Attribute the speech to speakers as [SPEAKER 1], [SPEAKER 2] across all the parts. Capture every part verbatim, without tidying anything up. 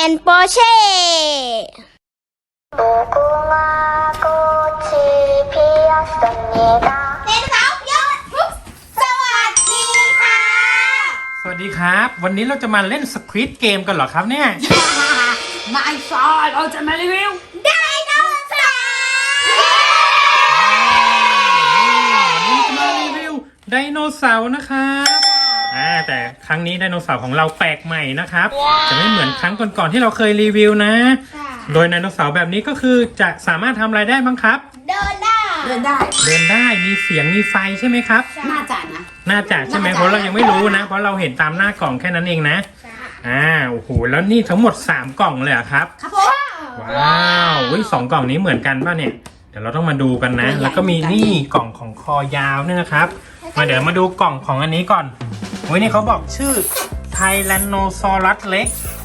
[SPEAKER 1] นโปเช่
[SPEAKER 2] สวัสดีครับวันนี้เราจะมาเล่นสควิดเกมกันเหรอครับเนี่ย
[SPEAKER 3] ไม่ใช่เราจะมารีวิว
[SPEAKER 1] ไดโนเสาร์
[SPEAKER 2] วันนี้จะมารีวิวไดโนเสาร์นะครับอ่าแต่ครั้งนี้ไดโนเสาร์ของเราแปลกใหม่นะครับจะไม่เหมือนครั้งก่อนๆที่เราเคยรีวิวนะ โดยไดโนเสาร์แบบนี้ก็คือจะสามารถทำอะไรได้บ้างครับ
[SPEAKER 1] เดินได้
[SPEAKER 3] เดินได้
[SPEAKER 2] เดินได้มีเสียงมีไฟใช่ไหมครับ
[SPEAKER 3] น่าจะนะ
[SPEAKER 2] น่าจะใช่ไหม
[SPEAKER 3] น่าจะ
[SPEAKER 2] เพราะเรายังไม่รู้นะเพราะเราเห็นตามหน้ากล่องแค่นั้นเองนะอ่าโอ้โหแล้วนี่ทั้งหมดสามกล่องเลยเหรอครับ
[SPEAKER 3] ครับผม
[SPEAKER 2] ว้าววิสองกล่องนี้เหมือนกันป่ะเนี่ย เดี๋ยวเราต้องมาดูกันนะ แล้วก็มีนี่กล่องของคอยาวเนี่ยนะครับ มาเดี๋ยวมาดูกล่องของอันนี้ก่อนโอ้ยนี่เขาบอกชื่อไทแรนโนซอรัสเล็ก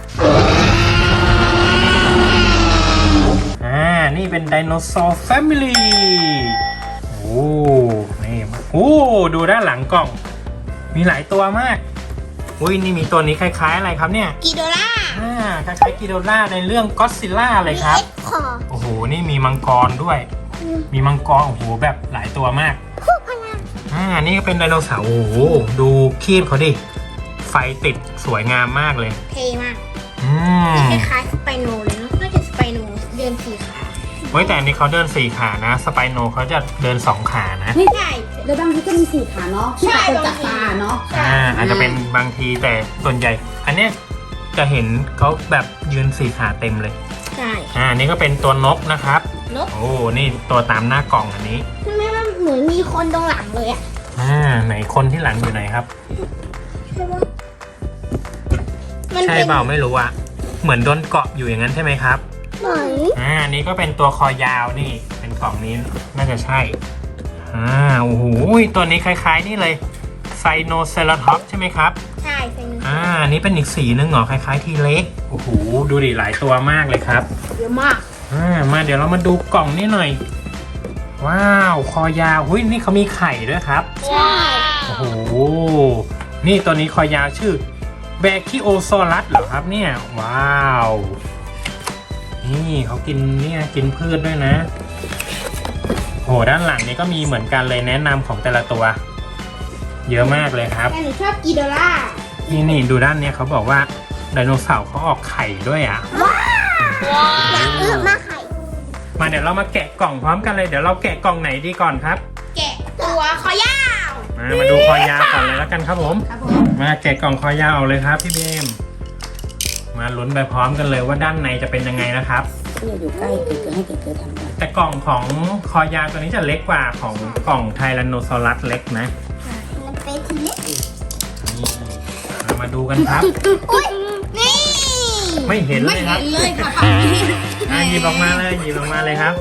[SPEAKER 2] อ่า นี่เป็นไดโนเสาร์แฟมิลี่โอ้นี่โอ้ดูด้านหลังกล่อง มีหลายตัวมาก อุ้ยนี่มีตัวนี้คล้ายๆอะไรครับเนี่ย
[SPEAKER 1] กิโดล่า
[SPEAKER 2] อ่าคล้ายๆกิโดล่าในเรื่องก็อดซิลล่าเลยครับ
[SPEAKER 1] เอ็กคอร์
[SPEAKER 2] โอ้โห นี่มีมังกรด้วย มีมังกร โอ้โห แบบหลายตัวมาก
[SPEAKER 1] คู่พลัง
[SPEAKER 2] อ่า นี่ก็เป็นไดโนเสาร์ โอ้โห ดูคีบเขาดิ ไฟติดสวยงามมากเลย
[SPEAKER 1] เท่มาก
[SPEAKER 2] อืม
[SPEAKER 1] คล้ายๆสไปโนเลยเนาะน่าจะสไปโนเดินสี่ขา
[SPEAKER 2] เว้ยแต่อันนี้เขาเดินสี่ขานะ สไปโนเขาจะเดินสองขานะ
[SPEAKER 3] เฮ้ย
[SPEAKER 1] ใช่
[SPEAKER 3] แล้วบางทีก็มีสี่ขาเนาะที่แบบคนจับปลาเนาะ
[SPEAKER 2] อ่า อาจจะเป็นบางทีแต่ส่วนใหญ่ อันเนี้ยจะเห็นเขาแบบยืนสี่ขาเต็มเลย
[SPEAKER 1] ใช่
[SPEAKER 2] อ่า นี่ก็เป็นตัวนกนะครับ
[SPEAKER 1] นก
[SPEAKER 2] โอ้ นี่ตัวตามหน้ากล่องอันนี้
[SPEAKER 1] ทำไมมันเหมือนมีคนตรงหลังเลยอะ
[SPEAKER 2] อ่า ไหนคนที่หลังอยู่ไหนครับ
[SPEAKER 1] ใช่ปะมัน
[SPEAKER 2] ใช่
[SPEAKER 1] เป็น
[SPEAKER 2] เปล่าไม่รู้อะเหมือนโดนเกาะอยู่อย่างนั้นใช่ไหมครับ
[SPEAKER 1] ไหน
[SPEAKER 2] อ่า นี่ก็เป็นตัวคอยาวนี่ เป็นกล่องนี้น่าจะใช่ อ่า โอ้โห ตัวนี้คล้ายๆนี่เลยไซโนเซราท็อปใช่ไหมครับ
[SPEAKER 1] ใช่เป็น
[SPEAKER 2] อ่า นี่เป็นอีกสีนึงเหรอ คล้ายๆทีเล็ก โอ้โห ดูดิหลายตัวมากเลยครับ
[SPEAKER 1] เยอะมาก
[SPEAKER 2] อ่า มาเดี๋ยวเรามาดูกล่องนี้หน่อย ว้าว คอยาวหุ้ยนี่เขามีไข่ด้วยครับ
[SPEAKER 1] ใช่
[SPEAKER 2] โอ้โห นี่ตัวนี้คอยาวชื่อแบคิโอซอรัสเหรอครับเนี่ย ว้าว นี่เขากินเนี่ยกินพืชด้วยนะ โหด้านหลังนี้ก็มีเหมือนกันเลยแนะนำของแต่ละตัว เยอะมากเลยครับ
[SPEAKER 1] แต่หนูชอบกิโดล่า
[SPEAKER 2] นี่นี่ดูด้านเนี้ยเขาบอกว่าไดโนเสาร์เขาออกไข่ด้วยอ่ะ
[SPEAKER 1] อยากเลือกมากไข่
[SPEAKER 2] มาเดี๋ยวเรามาแกะกล่องพร้อมกันเลย เดี๋ยวเราแกะกล่องไหนดีก่อนครับ
[SPEAKER 1] แกะตัวคอยาว
[SPEAKER 2] มามาดูคอยาวก่อนเลยแล้วกันครับผม
[SPEAKER 3] ครับผม
[SPEAKER 2] มาแกะกล่องคอยาวเอาเลยครับพี่เบม มาลุ้นไปพร้อมกันเลยว่าด้านในจะเป็นยังไงนะครับ
[SPEAKER 3] เนี่ยอยู่ใกล้เกิดให้เกิดเกิดทำได้
[SPEAKER 2] แต่กล่องของคอยาวตัวนี้จะเล็กกว่าของกล่องไทแรนโนซอรัสเล็กนะ
[SPEAKER 1] มันเป็นทีเล็ก
[SPEAKER 2] นี่เรามาดูกันครับ
[SPEAKER 1] อุ้ยนี่
[SPEAKER 2] ไม่เห็นเล
[SPEAKER 3] ไม่
[SPEAKER 2] ยครั
[SPEAKER 3] เห็
[SPEAKER 2] บ
[SPEAKER 3] นเลยค่ะฝั่งนี้
[SPEAKER 2] อ่ะหยิบออกมาเลยหยิบออกมาเลยครับ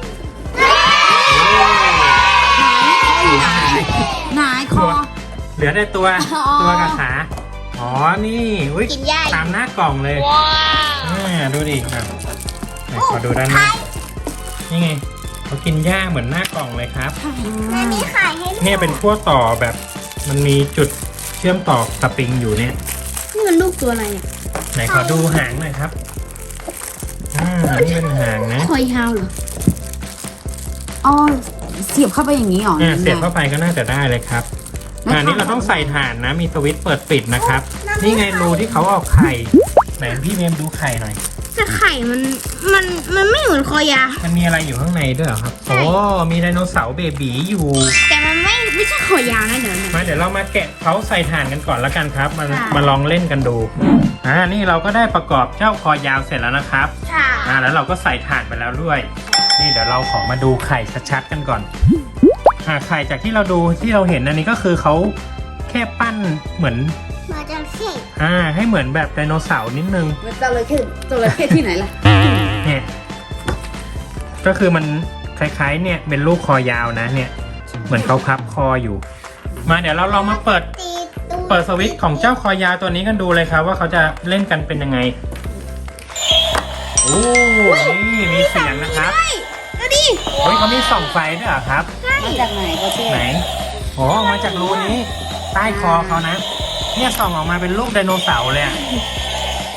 [SPEAKER 3] ไหนคอ
[SPEAKER 2] เหลือแต่ตัว
[SPEAKER 3] อ๋อ
[SPEAKER 2] ตัวกับขาอ๋อนี่อุ้ย
[SPEAKER 1] กินใหญ่
[SPEAKER 2] ตามหน้ากล่องเลยอ่าดูดิอ่ะไหนขอดูด้านหน้านี่ไงเขากินหญ้าเหมือนหน้ากล่องเลยครับ
[SPEAKER 1] แม่มีไข่ให้ด้วย
[SPEAKER 2] เนี่ยเป็นขั้วต่อแบบมันมีจุดเชื่อมต่อสปริงอยู่เนี่ย
[SPEAKER 1] นี่มันลูกตัวอะไรเนี่ย
[SPEAKER 2] ไหนขอดูหางหน่อยครับอ่านี่เป็นหางนะ
[SPEAKER 1] คอยาวเหรอ
[SPEAKER 3] อ๋อเสียบเข้าไปอย่างนี้หรอ
[SPEAKER 2] อ่าเสียบเข้าไปก็น่าจะได้เลยครับอันนี้เราต้องใส่ถ่านนะ มีสวิตช์เปิดปิดนะครับ นี่ไงรูที่เขาเอาไข่ไหนพี่เมมดูไข่หน่อย
[SPEAKER 1] แต่ไข่มันมันมันไม่เหมือนคอยาว
[SPEAKER 2] มันมีอะไรอยู่ข้างในด้วยเหรอครับ
[SPEAKER 1] ใช่
[SPEAKER 2] โอ้มีไดโนเสาร์เบบีอยู่
[SPEAKER 1] แต่มันไม่ไม่ใช่คอยาวนะเดี๋ยวนะ
[SPEAKER 2] มาเดี๋ยวเรามาแกะเขาใส่ถ่านกันก่อนแล้วกันครับ มา
[SPEAKER 1] ค่ะ
[SPEAKER 2] มาลองเล่นกันดู อ่า นี่เราก็ได้ประกอบเจ้าคอยาวเสร็จแล้วนะครับ
[SPEAKER 1] ค่ะ
[SPEAKER 2] อ่า แล้วเราก็ใส่ถ่านไปแล้วด้วย นี่เดี๋ยวเราขอมาดูไข่ชัดๆกันก่อน อ่า ไข่จากที่เราดูที่เราเห็นอันนี้ก็คือเขาแค่ปั้นเหมือน
[SPEAKER 1] มาจากเศษ
[SPEAKER 2] อ่า ให้เหมือนแบบไดโนเสาร์นิดนึง
[SPEAKER 3] มันจระเข้จระเข้ที่ไหนล่ะ
[SPEAKER 2] เนี่ย ก็คือมันคล้ายๆ เนี่ยเป็นลูกคอยาวนะเนี่ย เหมือนเขาพับคออยู่ มาเดี๋ยวเราลองมาเปิด
[SPEAKER 1] ตีตัว
[SPEAKER 2] เปิดสวิตช์ของเจ้าคอยาวตัวนี้กันดูเลยครับ ว่าเขาจะเล่นกันเป็นยังไง โอ้นี่มีเสียงนะครับ
[SPEAKER 1] เฮ้ยดูดิ
[SPEAKER 2] เฮ้ยเขามีส่องไฟด้วยเหรอครับ
[SPEAKER 3] มาจากไหนก็เช่
[SPEAKER 2] ไหนโอ้ออกมาจากรูนี้ ใต้คอเขานะ เนี่ยส่องออกมาเป็นรูปไดโนเสาร์เลยอะ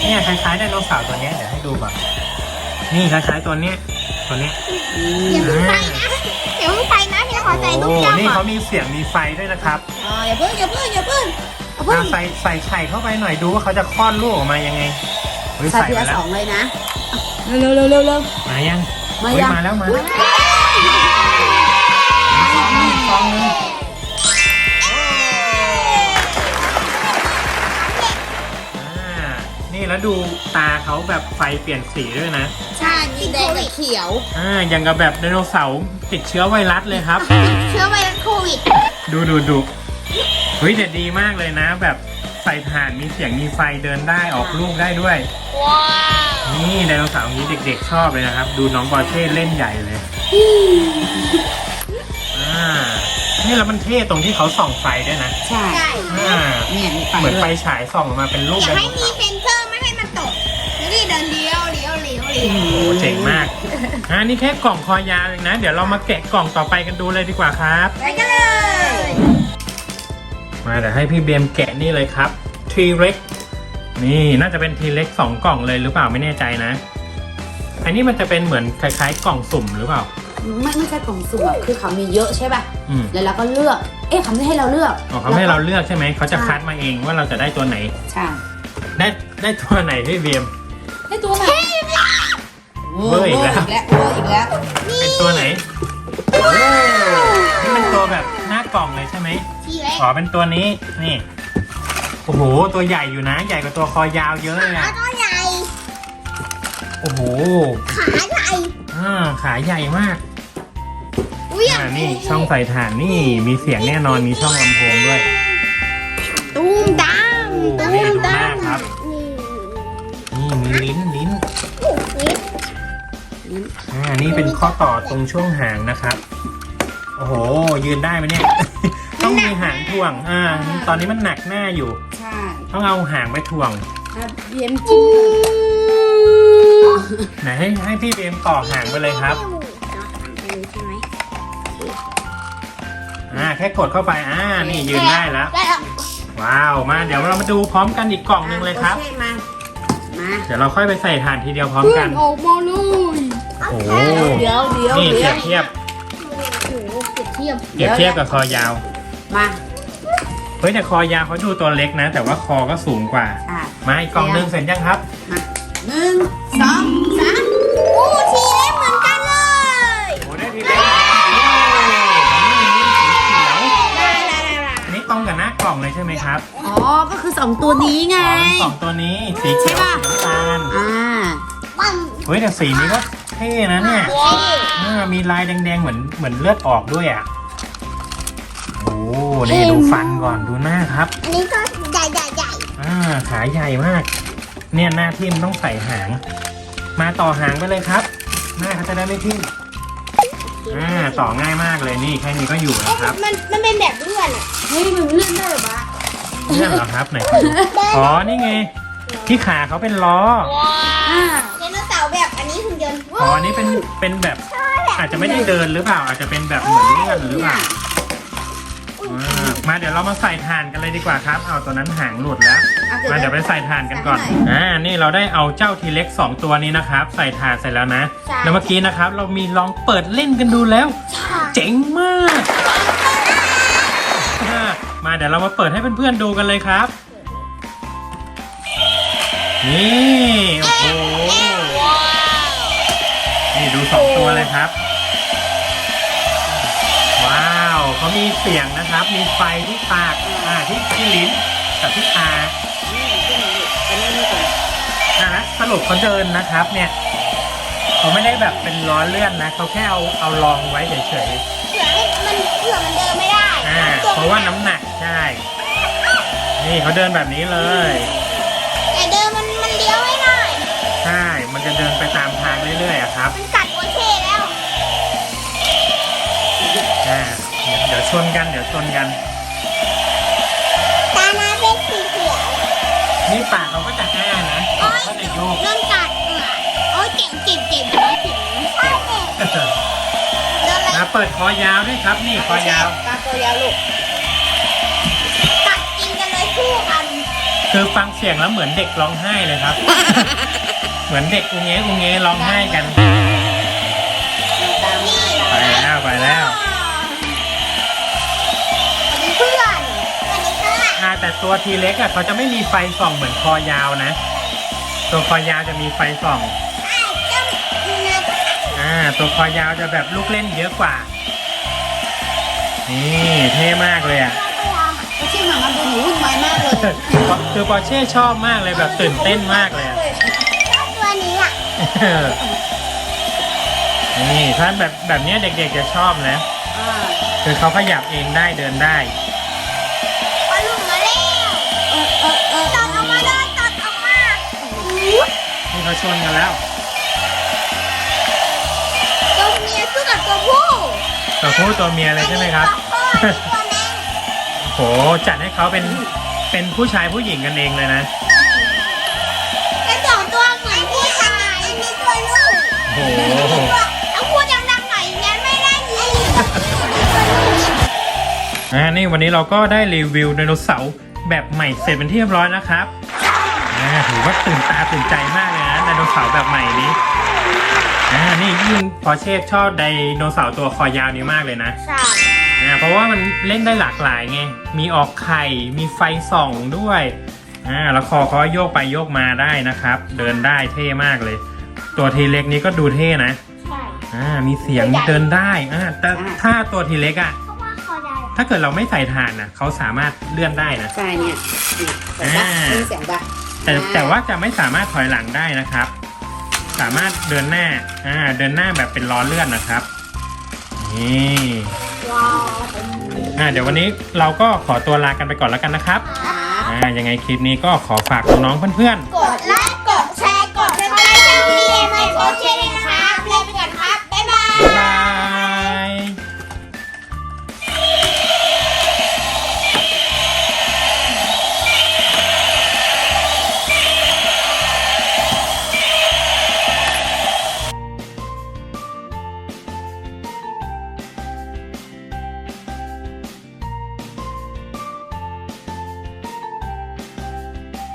[SPEAKER 2] เนี่ยคล้ายๆไดโนเสาร์ตัวเนี้ยเดี๋ยวให้ดูก่อนนี่คล้ายๆตัวเนี้ยตัวเนี้ย
[SPEAKER 1] อย่าเพิ่งไปนะอย่าเพิ่งไปนะพี่ขอใส่ลูก
[SPEAKER 2] โอ้
[SPEAKER 1] แก้ว
[SPEAKER 2] นี่
[SPEAKER 1] ก่อ
[SPEAKER 2] เขา
[SPEAKER 1] น
[SPEAKER 2] มีเสียงมีไฟด้วยนะครับ
[SPEAKER 3] อ๋ออย่าเพิ่งอย่าเพิ่งอย่าเพิ่งอย่าเพิ่ง
[SPEAKER 2] อ่ะใส่ใส่ไข่เข้าไปหน่อยดูว่าเขาจะคลอดลูกออกมายังไงเฮ้ย
[SPEAKER 3] ใส่
[SPEAKER 2] ใส่
[SPEAKER 3] ที
[SPEAKER 2] มา
[SPEAKER 3] ละ
[SPEAKER 2] แล้
[SPEAKER 3] ส
[SPEAKER 2] ว
[SPEAKER 3] องเลยนะเร็วเร็วเร็วเร็ว
[SPEAKER 2] มายัง
[SPEAKER 3] มา
[SPEAKER 2] เฮ้ย
[SPEAKER 3] ยัง
[SPEAKER 2] มาแล้วมาแล้วซองนึงซองนึงอ่านี่แล้วดูตาเขาแบบไฟเปลี่ยนสีด้วยนะ
[SPEAKER 3] ใช่มีแดงกับเขียว
[SPEAKER 2] อ่าอย่างกับแบบไดโนเสาร์ติดเชื้อไวรัสเลยครับ
[SPEAKER 1] เชื้อไวรัสโควิด
[SPEAKER 2] ดูดูดูเฮ้ยแต่ดีมากเลยนะ แบบใส่ถ่านมีเสียงมีไฟเดินได้ออกลูกได้ด้วย
[SPEAKER 1] ว้าว
[SPEAKER 2] นี่ไดโนเสาร์นี้เด็กๆชอบเลยนะครับ ดูน้องบอเช่เล่นใหญ่เลยอ่านี่แล้วมันเท่ตรงที่เขาส่องไฟด้วยนะ
[SPEAKER 3] ใช่
[SPEAKER 1] ใช่
[SPEAKER 2] อ่า
[SPEAKER 3] เนี่ยมีไฟ
[SPEAKER 2] เหมือน
[SPEAKER 3] ด้
[SPEAKER 2] ไฟ
[SPEAKER 3] วย
[SPEAKER 2] ฉายส่องออกมาเป็นรูป
[SPEAKER 1] อ
[SPEAKER 2] ได
[SPEAKER 1] ย่า
[SPEAKER 2] โน
[SPEAKER 1] ให้มี
[SPEAKER 2] เสาร์
[SPEAKER 1] เซนเซอร์ไม่ให้มันตกนี่เดินเลี้ยวเลี้ยวเลี้ยวเลี้ยว
[SPEAKER 2] โอ้เจ๋งมากอ่านี่แค่กล่องคอยาวเองนะ เดี๋ยวเรามาแกะกล่องต่อไปกันดูเลยดีกว่าครับ
[SPEAKER 1] ไปกันเลย
[SPEAKER 2] มาเดี๋ยวให้พี่เบมแกะนี่เลยครับ T-Rex นี่น่าจะเป็น T-Rex สองกล่องเลยหรือเปล่าไม่แน่ใจนะ อันนี้มันจะเป็นเหมือนคล้ายๆ กล่องสุ่มหรือเปล่า
[SPEAKER 3] ไม่ไม่ใช่กล่องสุ่มอะคือเขามีเยอะใช่ป่ะ
[SPEAKER 2] อืม
[SPEAKER 3] แล้วเราก็เลือก เอ๊ะเขาไม่ให้เราเลือก
[SPEAKER 2] อ๋อเขาให้เราเลือกใช่ไหม เขาจะคัดมาเองว่าเราจะได้ตัวไหน
[SPEAKER 3] ใช่
[SPEAKER 2] ได้ได้ตัวไหนพี่เบม
[SPEAKER 3] ให้ตัวไหน
[SPEAKER 2] เวอร์อีกแล้ว
[SPEAKER 3] เวอร์อีกแล้วเวอร์อีกแล้ว
[SPEAKER 2] เป็นตัวไหนโอ้นี่เป็นตัวแบบหน้ากล่องเลยใช่ไหม
[SPEAKER 1] ทีเล็ก
[SPEAKER 2] อ๋อเป็นตัวนี้ นี่ โอ้โห ตัวใหญ่อยู่นะ ใหญ่กว่าตัวคอยาวเยอะเลย
[SPEAKER 1] ขา
[SPEAKER 2] อะ
[SPEAKER 1] ตัวใหญ่
[SPEAKER 2] โอ้โห
[SPEAKER 1] ขาใหญ่
[SPEAKER 2] อ่าขาใหญ่มาก
[SPEAKER 1] อุ้ย
[SPEAKER 2] อ่านี่ช่องใส่ถ่านนี่มีเสียงแน่นอนมีช่องลำโพงด้วย
[SPEAKER 1] ตูมดาม
[SPEAKER 2] โอ้
[SPEAKER 1] ตู
[SPEAKER 2] นี่
[SPEAKER 1] ม
[SPEAKER 2] ดูห
[SPEAKER 1] ดา
[SPEAKER 2] น้าม ครับ นี่มีลิ้นลิ้น
[SPEAKER 1] นี่
[SPEAKER 2] อ่านี่เป็นข้อต่อตรงช่วงหางนะครับ โอ้โห ยืนได้ไหมเนี่ย ต้องมีหางถ่วง อ่า ตอนนี้มันหนักหน้าอยู่
[SPEAKER 3] ใช่
[SPEAKER 2] ต้องเอาหางไปถ่วง
[SPEAKER 3] อ่ะเบียมจิ้ม
[SPEAKER 2] ไหนให้ให้พี่เบมต่อหางไปเลยครับ
[SPEAKER 1] ใช่ไหม
[SPEAKER 2] อ่า แค่กดเข้าไป อ่า นี่ยืนได้แล้ว
[SPEAKER 1] ได้แล้ว
[SPEAKER 2] ว้าว มาเดี๋ยวเรามาดูพร้อมกันอีกกล่องหนึงเลยครับ
[SPEAKER 3] โอมา มา
[SPEAKER 2] เดี๋ยวเราค่อยไปใส่ถ่านทีเดียวพร้อมกัน
[SPEAKER 3] ออกมาเลย
[SPEAKER 2] โอ้โห
[SPEAKER 3] เดี๋ยวเดี๋ยว
[SPEAKER 2] นี่
[SPEAKER 3] เดี๋
[SPEAKER 2] เที
[SPEAKER 3] ย
[SPEAKER 2] ยว บเทียบ
[SPEAKER 1] โอ้โหเปรียบเทียบ
[SPEAKER 2] เปรียบเทียบกับคอยาว
[SPEAKER 3] มา
[SPEAKER 2] เฮ้ยแต่คอยาวเขาดูตัวเล็กนะ แต่ว่าคอก็สูงกว่า
[SPEAKER 3] อ่ะ
[SPEAKER 2] มาอีกกล่องหนึงเสร็จยังครับ
[SPEAKER 3] มาหนึ่งสองสาม
[SPEAKER 1] โอ้ทีเล็กเหมือนกันเลย
[SPEAKER 2] โอ้ได้ทีเล็กนี่นี่สีเขียว
[SPEAKER 1] ได้ได้ได้ได้
[SPEAKER 2] อันนี้ตรงกับหน้ากล่องเลยใช่ไหมครับ
[SPEAKER 3] อ๋อ ก็คือสองตัวนี้ไง
[SPEAKER 2] อ๋อเป็นสองตัวนี้ สีเขียว
[SPEAKER 3] ใช่ปะ
[SPEAKER 2] สีน้ำตาล
[SPEAKER 3] อ่า
[SPEAKER 1] มัน
[SPEAKER 2] เฮ้ยแต่สีนี้ก็เท่นะเนี่ย
[SPEAKER 1] เท่
[SPEAKER 2] อ่ามีลายแดงๆเหมือนเหมือนเลือดออกด้วยอ่ะ โอ้นี่ดูฟันก่อนดูหน้าครับ
[SPEAKER 1] อันนี้ก็ใหญ่ใหญ่ใหญ่
[SPEAKER 2] อ่าขาใหญ่มาก เนี่ยหน้าทิ่มต้องใส่หาง มาต่อหางไปเลยครับ หน้าเขาจะได้ไม่ทิ่มอ่าต่อง่ายมากเลยนี่แค่นี้ก็อยู่นะครับ
[SPEAKER 1] มันมันเป็นแบบเลื่อนอะ
[SPEAKER 3] เฮ้ยมันเลื่อนได้เหรอวะ
[SPEAKER 2] เลื่อนเหรอครับไหนขอดูอ๋อนี่ไงที่ขาเขาเป็นล้อ
[SPEAKER 3] อ่า
[SPEAKER 1] ไดโนเสาร์แบบอันนี้หุ่นยนต์
[SPEAKER 2] อ๋ออันนี้เป็นเป็นแบบอาจจะไม่ได้เดินหรือเปล่า อาจจะเป็นแบบเหมือนเลื่อนหรือเปล่าอ่ามาเดี๋ยวเรามาใส่ถ่านกันเลยดีกว่าครับ เอาตัวนั้นหางหลุดแล้ว มาเดี๋ยวไปใส่ถ่านกันก่อน อ่า นี่เราได้เอาเจ้าทีเล็กสองตัวนี้นะครับ ใส่ถ่านเสร็จแล้วนะ แล้วเมื่อกี้นะครับ เรามีลองเปิดเล่นกันดูแล้ว เจ๋งมากอ่ามาเดี๋ยวเรามาเปิดให้เพื่อนๆดูกันเลยครับ นี่ โอ้โห นี่ดูสองตัวเลยครับ ว้าวเขามีเสียงนะครับ มีไฟที่ปาก อ่า ที่ที่ลิ้นกับที่ตา อ่ะนะสรุปเขาเดินนะครับเนี่ยเขาไม่ได้แบบเป็นล้อเลื่อนนะเขาแค่เอาเอารองไว้เฉย
[SPEAKER 1] เผื่อให้มันเผื่อมันเดินไม่ได้
[SPEAKER 2] ๆอ่าเพราะว่าน้ำหนักใช่นี่เขาเดินแบบนี้เลย
[SPEAKER 1] แต่เดินมันมันเลี้ยวไม่ได้
[SPEAKER 2] ใช่มันจะเดินไปตามทางเรื่อยๆอะครับ
[SPEAKER 1] มันกัดโอเช่แล้ว
[SPEAKER 2] อ่าเดี๋ยวเดี๋ยวชนกันเดี๋ยวชนกัน
[SPEAKER 1] ตาหน้าเป็นสีเขียว
[SPEAKER 2] นี่ปากเขาก็จะอ้านะ
[SPEAKER 1] โอ้ย
[SPEAKER 2] เขาจะโยก
[SPEAKER 1] เริ่มกัดเออโอ้ยเก่งเก่งเก่งน้อยเก่งใช่เก่งเดินเลย
[SPEAKER 2] มาเปิดคอยาวด้วยครับ นี่คอยาว
[SPEAKER 3] ตาตัวยาวลูก
[SPEAKER 1] กัดกินกันเลยคู่กัน
[SPEAKER 2] อคือฟังเสียงแล้วเหมือนเด็กร้องไห้เลยครับ เหมือนเด็กอุงเงอุงเงร้องไห้กัน
[SPEAKER 3] ตามมาตาม
[SPEAKER 2] ไปแล้วไปแล้ว
[SPEAKER 1] สวัสดีเพื่อนสวัสดีค่ะ
[SPEAKER 2] อ่าแต่ตัวทีเล็กอ่ะเขาจะไม่มีไฟส่องเหมือนคอยาวนะ ตัวคอยาวจะมีไฟส่อง
[SPEAKER 1] ไอ้เจ้าเนื้อ
[SPEAKER 2] อ่าตัวคอยาวจะแบบลูกเล่นเยอะกว่า นี่เท่มากเลยอ่ะ
[SPEAKER 3] ก็ที่มามาดูหนูวุ่นวายมากเลย
[SPEAKER 2] คือปอร์เช่ชอบมากเลยแบบตื่นเต้นมากเลยอะ
[SPEAKER 1] ชอบตัวนี้อ่ะ
[SPEAKER 2] นี่ถ้าแบบแบบเนี้ยเด็กๆจะชอบนะ
[SPEAKER 3] อ่า
[SPEAKER 2] คือเขาขยับเองได้เดินได้
[SPEAKER 1] ปลาหลุมมาแล้ว
[SPEAKER 3] เออเออเออ
[SPEAKER 1] ตอดออกมาเลยตอดออกมาอู้
[SPEAKER 2] นี่เขาชนกันแล้ว
[SPEAKER 1] ตัวเมียสู้กับตัวผู้
[SPEAKER 2] ตัวผู้ตัวเมียเลยใช่ไหมครับ
[SPEAKER 1] อันนี้ตัวแม่
[SPEAKER 2] โหจัดให้เขาเป็นเป็นผู้ชายผู้หญิงกันเองเลยนะ
[SPEAKER 1] เป็นสองตัวเหมือนผู้ชายอันนี้ตัวลูก
[SPEAKER 2] โอ้โห
[SPEAKER 1] ต้องพูดดังๆหน่อยงั้นไม่ได้ยิน
[SPEAKER 2] อ่านี่วันนี้เราก็ได้รีวิวไดโนเสาร์แบบใหม่เสร็จเป็นที่เรียบร้อยนะครับอ่าถือว่าตื่นตาตื่นใจมากเลยนะไดโนเสาร์แบบใหม่นี้อ่านี่ยิ่งพอเชฟชอบไดโนเสาร์ตัวคอยาวนี้มากเลยนะ
[SPEAKER 1] ใช่
[SPEAKER 2] อ่าเพราะว่ามันเล่นได้หลากหลายไงมีออกไข่มีไฟส่องด้วยอ่าแล้วคอเขาโยกไปโยกมาได้นะครับ เดินได้เท่มากเลย ตัวทีเล็กนี้ก็ดูเท่นะ
[SPEAKER 1] ใช่
[SPEAKER 2] อ่ามีเสียงเดินได้อ่าแต่ถ้าตัวทีเล็กอ่ะ
[SPEAKER 1] เพราะว่าคอใหญ่
[SPEAKER 2] ถ้าเกิดเราไม่ใส่ถ่านนะเขาสามารถเลื่อนได้นะ
[SPEAKER 3] ใช่เนี่ยเสียงดังเสียงดัง
[SPEAKER 2] แต่แต่ว่าจะไม่สามารถถอยหลังได้นะครับ สามารถเดินหน้าอ่าเดินหน้าแบบเป็นล้อเลื่อนนะครับนี่
[SPEAKER 1] ว้าว
[SPEAKER 2] อ่าเดี๋ยววันนี้เราก็ขอตัวลากันไปก่อนแล้วกันนะครับ
[SPEAKER 3] ครับ
[SPEAKER 2] อ่ายังไงคลิปนี้ก็ขอฝากน้องๆเพื่อน
[SPEAKER 1] กดไล